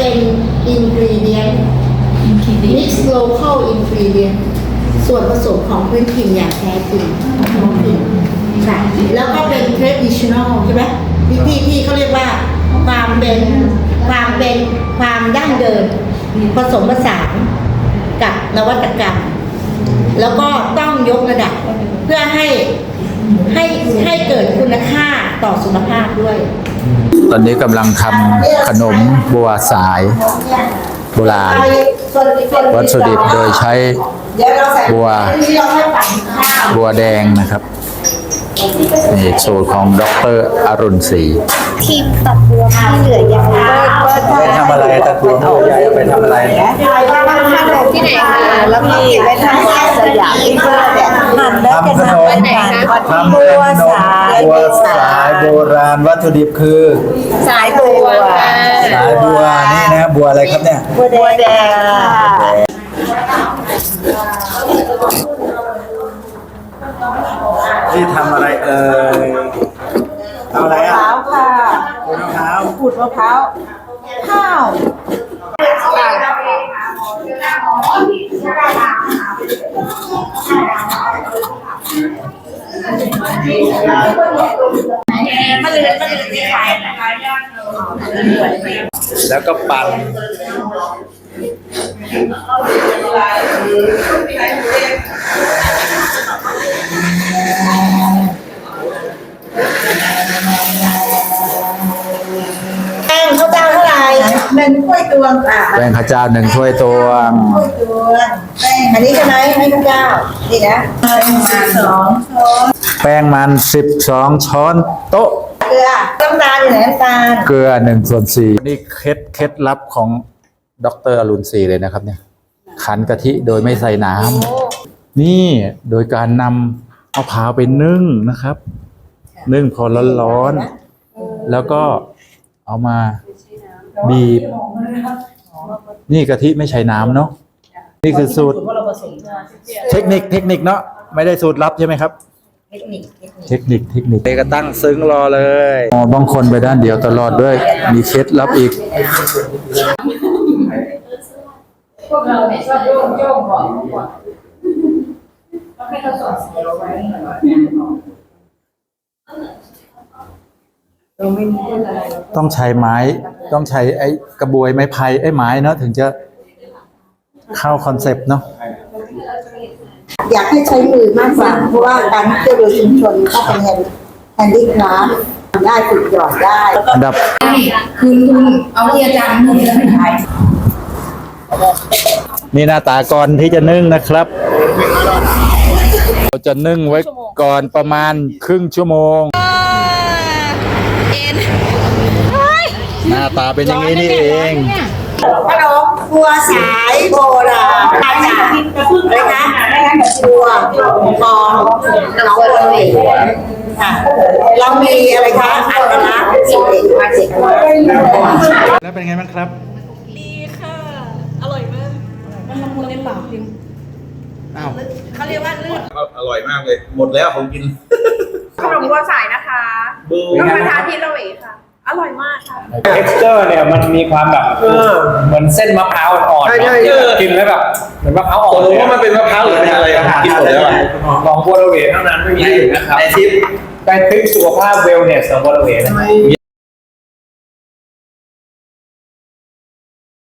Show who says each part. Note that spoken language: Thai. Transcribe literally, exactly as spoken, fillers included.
Speaker 1: เป็น ingredient mix local ingredient ส่วนผสมของพื้นถิ่นอย่างแท้จริงของท้องถิ่นค่ะแล้วก็เป็น traditional ใช่ไหมที่ที่ที่เขาเรียกว่าความเป็นความเป็นความดั้งเดิมผสมผสานกับนวัตกรรมแล้วก็ต้องยกระดับเพื่อให้ให้ให้เกิดคุณค่าต่อสุขภาพด้วย
Speaker 2: ตอนนี้กำลังทำขนมบัวสายโบราณวัตถุดิบโดยใช้บัวบัวแดงนะครับนี่สูตรของดร.อรุณศรี
Speaker 3: ทีมตัดบัวที่เหลือยังเบิร์ดเบิร์ด
Speaker 2: ไปทำอะไรตัดบัวที่เหลือใหญ่ไปทำอะไร
Speaker 3: ที่ไหนคะแล้วมีไปทำสยามที่เบิร์ดเนี่ยหั่นแล้วจะทำเป็นการทำบัวสาย
Speaker 2: บัวสายโบราณวัตถุดิบคือ
Speaker 3: สายบัว
Speaker 2: สายบัวนี่นะบัวอะไรครับเนี่ย
Speaker 3: บัวแดง
Speaker 2: ที่ทำอะไรเอ่ยเอาอะไรอ่ะ
Speaker 3: มะพร้าวค่ะ
Speaker 2: ขูดมะพร้าว
Speaker 3: ขูดมะพร้าวข้าว
Speaker 2: แล้วก็ปั่น
Speaker 1: แป้งข้าวเจ้าเท่าไหร่หนึ่งถ้วยตวงค่ะ
Speaker 2: แป้งข้าวเจ้าหนึ่งถ้วยตวง
Speaker 1: ถ้วยตวงแป้งอันนี้ใช่ไหมให้ข้าวเจ้านี่นะแป้งมันสองช้อน
Speaker 2: แป้งมันสิบสองช้อนโต๊ะ
Speaker 1: เกลือน้ำตาลอยู่ไหนน้ำตาล
Speaker 2: เกลือหนึ่งส่วนสี่นี่เคล็ดเคล็ดลับของดร.อรุณศรีเลยนะครับเนี่ยขันกะทิโดยไม่ใส่น้ำนี่โดยการนำมะพร้าวไปนึ่งนะครับนึ่งพอร้อนๆแล้วก็เอามาบีบนี่กะทิไม่ใช้น้ำเนาะนี่คือสูตรเทคนิคเทคนิคเนาะไม่ได้สูตรลับใช่ไหมครับเทคนิคเทคนิคเทคนิคเด็กก็ตั้งซึ้งรอเลยอ๋อบางคนไปด้านเดียวตลอดด้วยมีเคล็ดลับอีก
Speaker 4: พวกเราเนี่ยชอบโยงโยงก่อนก่อนต้องให้เขาสอนเสียไว้
Speaker 2: ต้องใช้ไม้ต้องใช้ไอ้กระบวยไม้ไผ่ไอ้ไม้เนาะถึงจะเข้าคอนเซปต์เนาะ
Speaker 1: อยากให้ใช้มือมากกว่าเพราะว่าการเที่ยวโดยชุมชนก็เป็นแฮนด์แฮนดี้คราฟได้ฝึกหยอดได้
Speaker 2: อันดับ
Speaker 4: คือคุณเอาที่อาจารย์มือแล้วไม่ใช่
Speaker 2: นี่หน้าตาก่อนที่จะนึ่งนะครับเราจะนึ่งไว้ก่อนประมาณครึ่งชั่วโมงหน้าตาเป็นอย่างนี้นี่เอง
Speaker 1: ขนมบัวสายโบราณมาจากอะไรนะบัวทองน้องบัวเลยค่ะเรามีอะไรคะอัตลักษณ์สิ่งเด็กมาเด็ก
Speaker 2: แล้วเป็นไงบ้างครับ
Speaker 5: ดีค่ะอร่อยมากมันละมุนในปากจริง
Speaker 2: อ้าว
Speaker 5: เขาเรียกว่าลื่น
Speaker 6: อร่อยมากเลยหมดแล้วผมกิน
Speaker 5: ขนมบัวสายนะคะก็มาทานที่เราเองค่ะอร่อยมากค่ะ
Speaker 7: texture เนี่ยมันมีความแบบเหมือนเส้นมะพร้าวอ่อนๆกินแล้วแบบเหมือนมะพร้าวอ่อน
Speaker 6: ผมว่ามันเป็นมะพร้าวหรือเป็นอะไรกินหมดแล้ว
Speaker 7: ลองบัวระเวเท่านั้นไม่มีอื่นนะครับไอทิปไปทริปสุขภาพเวลเนสของบัวระเวนะ
Speaker 6: มี